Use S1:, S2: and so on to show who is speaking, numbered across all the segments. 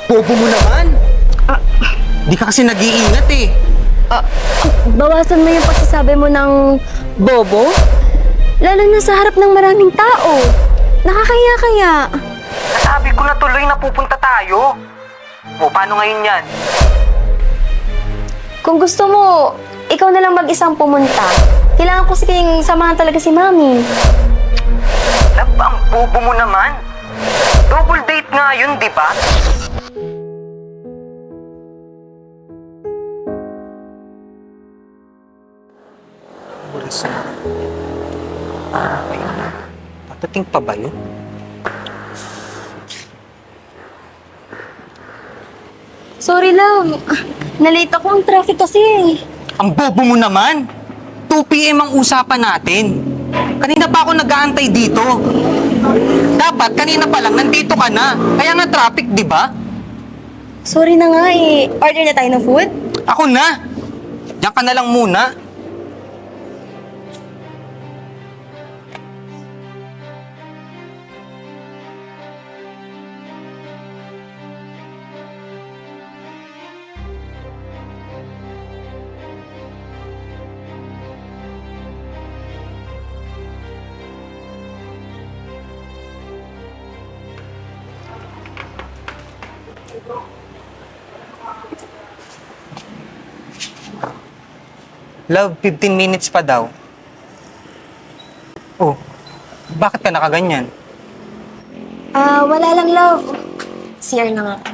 S1: Bobo mo naman! Di ka kasi nag-iingat eh.
S2: Bawasan mo yung pagsasabi mo ng bobo. Lalo na sa harap ng maraming tao. Nakakaya kaya.
S1: Nasabi ko na tuloy na pupunta tayo. O, paano ngayon yan?
S2: Kung gusto mo, ikaw na lang mag-isang pumunta. Kailangan ko kasing samahan talaga si Mami.
S1: Love, ang bobo mo naman. Double date nga yun, di ba? Oras na. Ayun na. Patating pa ba yun?
S2: Sorry, love. Nalate ako. Ang traffic kasi.
S1: Ang bobo mo naman! 2 PM ang usapan natin. Kanina pa ako nag-aantay dito. Dapat kanina pa lang nandito ka na. Kaya nga traffic, di ba?
S2: Sorry na nga eh. Order na tayo ng food?
S1: Ako na! Diyan ka na lang muna. Love, 15 minutes pa daw. Oh, bakit ka nakaganyan?
S2: Wala lang, love. CR na nga.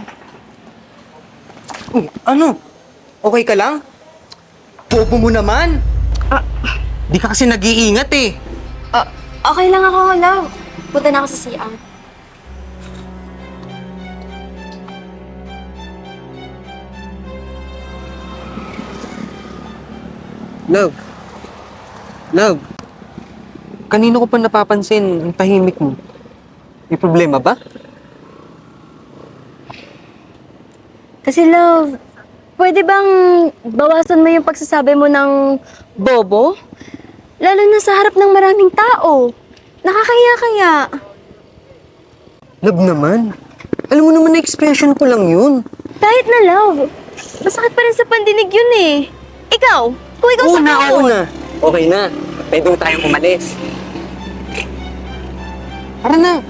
S1: Ano? Okay ka lang? Bobo mo naman! Di ka kasi nag-iingat eh.
S2: Okay lang ako, love. Punta na ako sa CR.
S1: Love. Love. Kanino ko pa napapansin ang tahimik mo? May problema ba?
S2: Kasi, love, pwede bang bawasan mo yung pagsasabi mo ng bobo? Lalo na sa harap ng maraming tao. Nakakaya kaya.
S1: Love naman. Alam mo naman na expression ko lang yun.
S2: Kahit na, love. Masakit pa rin sa pandinig yun eh. Ikaw, kung ikaw sa
S1: Una. Okay na. Pwede mo tayong umalis. Tara na.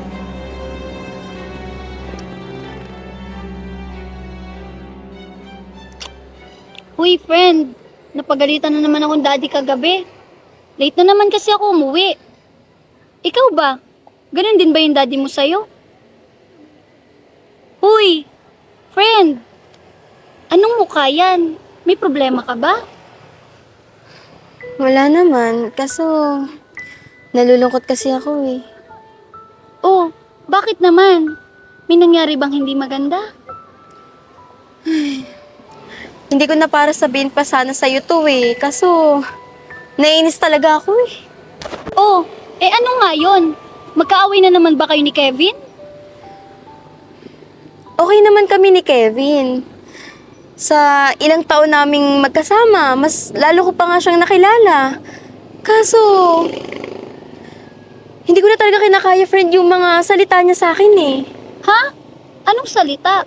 S3: Uy, friend. Napagalitan na naman akong daddy kagabi. Late na naman kasi ako umuwi. Ikaw ba? Ganun din ba yung daddy mo sa'yo? Uy, friend. Anong mukha yan? May problema ka ba?
S2: Wala naman, kaso nalulungkot kasi ako eh.
S3: Oh, bakit naman? May nangyari bang hindi maganda?
S2: Hindi ko na para sabihin pa sana sa'yo to eh, kaso naiinis talaga ako eh.
S3: Oh, ano nga yun? Magkaaway na naman ba kayo ni Kevin?
S2: Okay naman kami ni Kevin. Sa ilang taon naming magkasama, mas lalo ko pa nga siyang nakilala. Kaso, hindi ko na talaga kinakaya, friend, yung mga salita niya sa akin eh.
S3: Ha? Anong salita?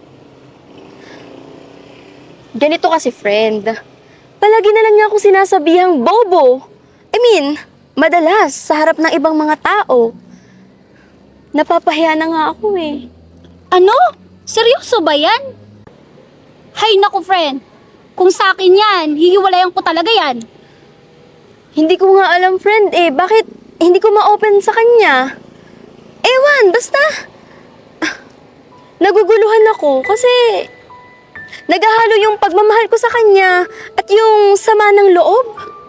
S2: Ganito kasi, friend. Palagi na lang niya ako sinasabihang bobo. Madalas, sa harap ng ibang mga tao. Napapahiya na nga ako eh.
S3: Ano? Seryoso ba yan? Hay naku, friend. Kung sa akin yan, hihiwalayan ko talaga yan.
S2: Hindi ko nga alam, friend eh. Bakit hindi ko ma-open sa kanya? Ewan, basta. Naguguluhan ako kasi naghahalo yung pagmamahal ko sa kanya at yung sama ng loob.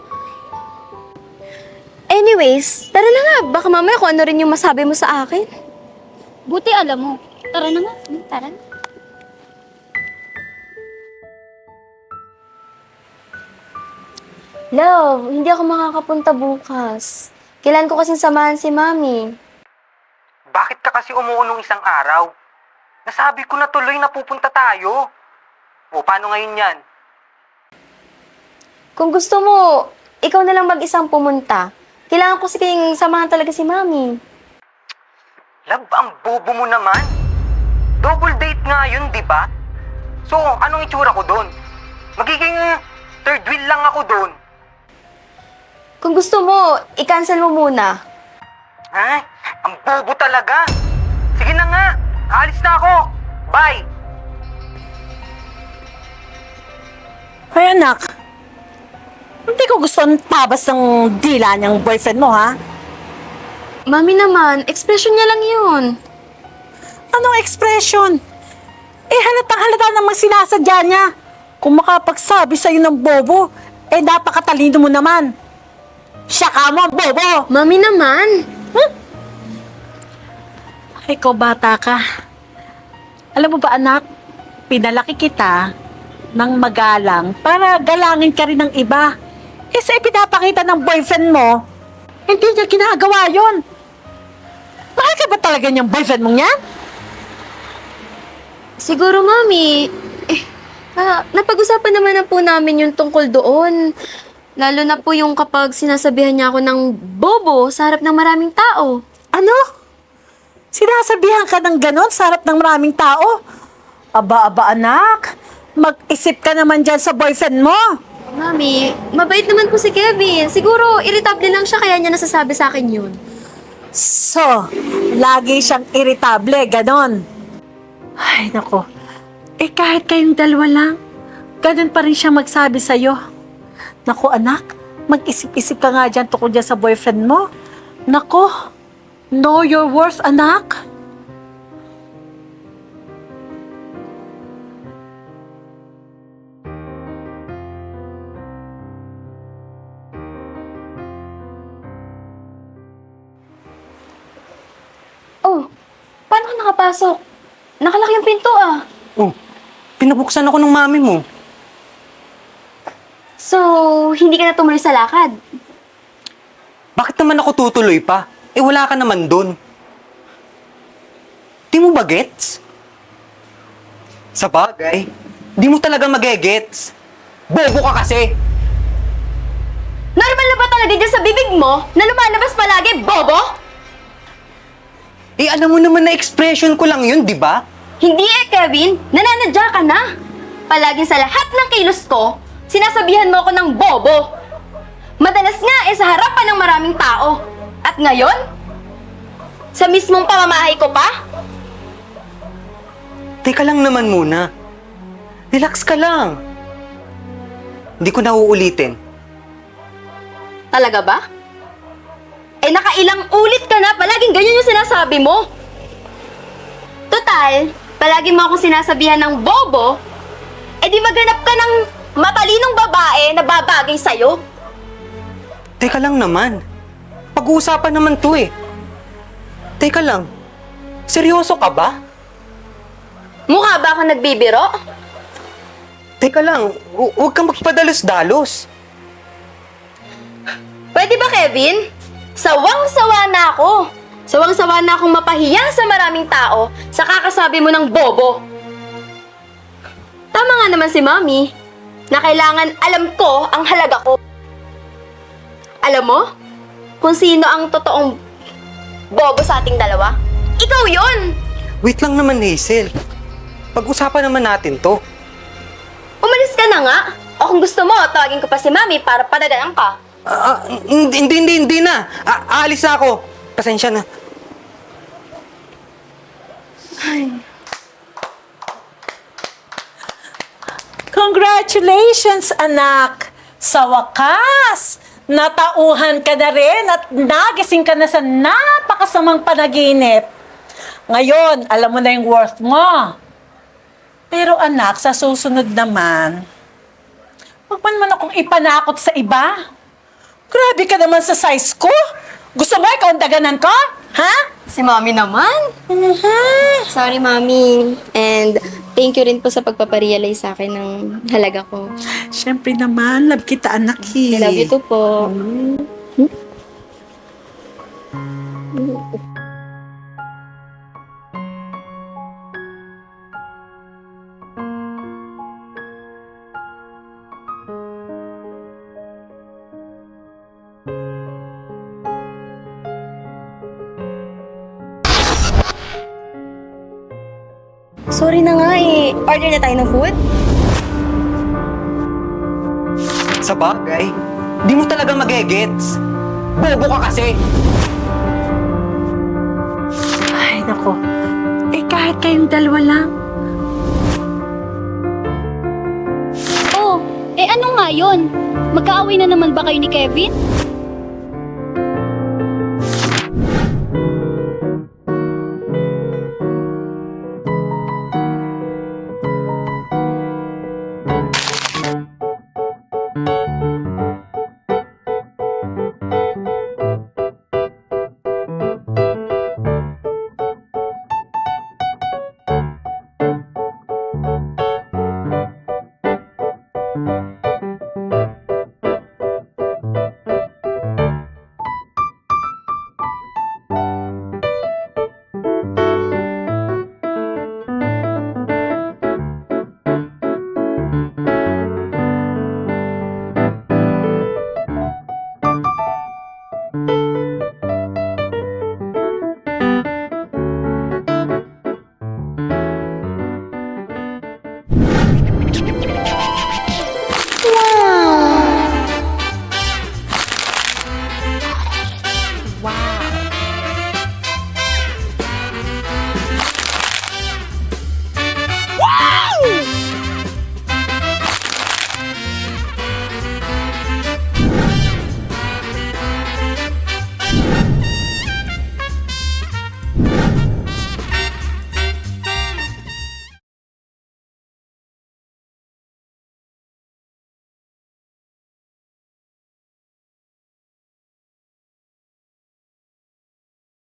S2: Anyways, tara na nga. Baka mamaya kung ano rin yung masabi mo sa akin.
S3: Buti alam mo. Tara na nga. Tara na.
S2: Love, hindi ako makakapunta bukas. Kailan ko kasing samahan si Mami.
S1: Bakit ka kasi umuunong isang araw? Nasabi ko na tuloy na pupunta tayo. O, paano ngayon yan?
S2: Kung gusto mo, ikaw na lang mag-isang pumunta. Kailangan ko samahan talaga si Mami.
S1: Love, ang bobo mo naman. Double date nga yun, di ba? So, anong itsura ko doon? Magiging third wheel lang ako doon.
S2: Kung gusto mo, i-cancel mo muna.
S1: Ay, ang bobo talaga. Sige na nga, aalis na ako. Bye!
S4: Ay anak, hindi ko gusto ang tabas ng dila niyang boyfriend mo, ha?
S2: Mami naman, expression niya lang yun.
S4: Anong expression? Eh halatang halata namang sinasadya niya. Kung makapagsabi sa'yo ng bobo, eh napakatalino mo naman. Siya ka mo, bobo!
S2: Mami naman.
S4: Ay, ikaw bata ka. Alam mo ba anak, pinalaki kita ng magalang para galangin ka rin ng iba. Eh sa ipinapakita ng boyfriend mo, hindi niya ginagawa yon. Mahal ka ba talaga niyang boyfriend mong yan?
S2: Siguro, Mami. Napag-usapan naman na po namin yung tungkol doon. Lalo na po yung kapag sinasabihan niya ako ng bobo sa harap ng maraming tao.
S4: Ano? Sinasabihan ka ng ganon sa harap ng maraming tao? Aba, anak. Mag-isip ka naman dyan sa boyfriend mo.
S2: Mami, mabait naman po si Kevin. Siguro, irritable lang siya kaya niya nasasabi sa akin yun.
S4: So, lagi siyang irritable, ganon. Ay, nako. Eh, kahit kayong dalawa lang, ganon pa rin siya magsabi sa'yo. Nako, anak, mag-isip-isip ka nga dyan tungkol dyan sa boyfriend mo. Nako, know your worth, anak.
S2: Oh, paano ka nakapasok? Nakalaki yung pinto ah.
S1: Oh, pinabuksan ako ng mami mo.
S2: So, hindi ka na tumuloy sa lakad?
S1: Bakit naman ako tutuloy pa? Eh, wala ka naman doon. Di mo ba gets? Sa bagay, di mo talaga magegets. Bobo ka kasi.
S2: Normal na ba talaga dyan sa bibig mo na lumalabas palagi, bobo?
S1: Eh, alam mo naman na expression ko lang yun, di ba?
S2: Hindi Kevin. Nananadya ka na. Palagi sa lahat ng kilos ko, sinasabihan mo ako ng bobo. Madalas nga sa harapan ng maraming tao. At ngayon, sa mismong pamamahay ko pa?
S1: Teka lang naman muna. Relax ka lang. Hindi ko na uulitin.
S2: Talaga ba? Nakailang ulit ka na, palaging ganyan yung sinasabi mo. Total, palagi mo ako sinasabihan ng bobo, di maghanap ka ng matalinong babae na babagay sa'yo.
S1: Teka lang naman. Pag-uusapan naman to eh. Teka lang. Seryoso ka ba?
S2: Mukha ba ako nagbibiro?
S1: Teka lang. Huwag kang magpadalos-dalos.
S2: Pwede ba, Kevin? Sawang-sawa na ako. Sawang-sawa na akong mapahiya sa maraming tao sa kakasabi mo ng bobo. Tama nga naman si Mami na kailangan alam ko ang halaga ko. Alam mo kung sino ang totoong bobo sa ating dalawa? Ikaw yon.
S1: Wait lang naman, Hazel. Pag-usapan naman natin to.
S2: Umalis ka na nga. O kung gusto mo, tawagin ko pa si Mami para padadaan ka.
S1: Hindi na. Aalis na ako. Pasensya na.
S4: Congratulations, anak! Sa wakas, natauhan ka na rin at nagising ka na sa napakasamang panaginip. Ngayon, alam mo na yung worth mo. Pero anak, sa susunod naman, huwag man naman akong ipanakot sa iba. Grabe ka naman sa size ko. Gusto mo ikaw ang daganan ko? Ha?
S2: Si Mami naman.
S4: Mhm.
S2: Sorry, Mami. And thank you rin po sa pagpaparealize sa akin ng halaga ko.
S4: Siyempre naman, love kita anak
S2: I love you too po. Sorry na nga eh. Order na tayo ng food?
S1: Sa bagay, di mo talaga magigets. Bobo ka kasi.
S4: Ay, nako. Eh, kahit kayong dalawa lang.
S3: Oh, eh ano nga yun? Magkaaway na naman ba kayo ni Kevin?